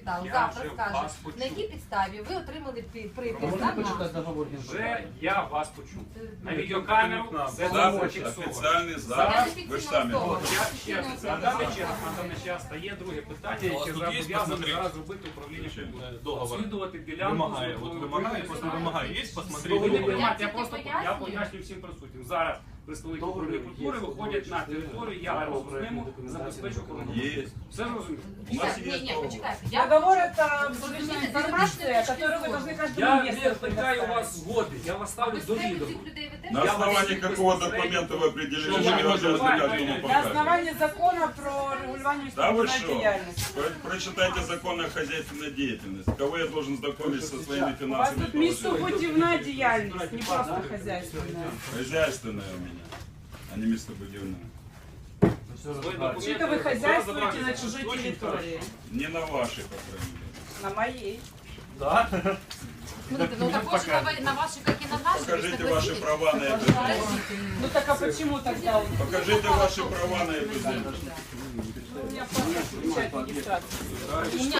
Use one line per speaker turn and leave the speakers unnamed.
підставу.
Я
Завтра
вже
скаже,
вас почув.
на якій підставі ви отримали припис
Можна
на
почитати
нас.
договор
Вже
генпрокуратури?
я вас почув. На відеокамеру це
Запис
зафіксовано.
офіційний
Я
запис.
не
Ви ж самі
фіксувала
говорите.
Я
особа.
ще раз, на даний час стає друге питання, яке зобов'язане зараз робити управління культури.
Договор
Слідувати ділянку.
вимагає, от вимагає, просто вимагає. Є,
Ви
посмотрите.
не
договор.
приймайте, я
тільки
просто
пояснюю.
пояснюю всім присутнім. Зараз представники управління культури виходять на територію, я разом з ними забезпечу охорону.
Є.
Все зрозуміло?
У нас
Ні,
є
ні,
договор.
почекайте.
Договор – это
Подождите,
информация,
это
которую вы должны каждому
Я
месту
не питаю у
предоставить.
вас згоди, я вас ставлю до
Безпеку
відома.
цих людей ви теж
На
Я
основании
вас
какого
безпосередньо-
документа вы определили,
Что
что
я
вы
не
обязаны
знаю,
каждому
на
На
показывать?
основании закона про регулирование
Да вы
исполнительной
что?
деятельности.
Прочитайте закон о хозяйственной деятельности. Кого я должен знакомить со своими
У вас
финансовыми
тут
положениями?
местобудивная деятельность, не просто хозяйственная.
Хозяйственная у меня, а не местобудивная.
Вообще-то вы хозяйствуете на чужой территории.
Не на вашей, по крайней мере.
На моей.
Да?
Смотрите, ну також на ваші, як і на наші.
Покажите ваши права на эту землю.
Ну так а почему тогда?
Покажите ваши права на эту землю.
У меня паспорт включает регистрацию.
У мене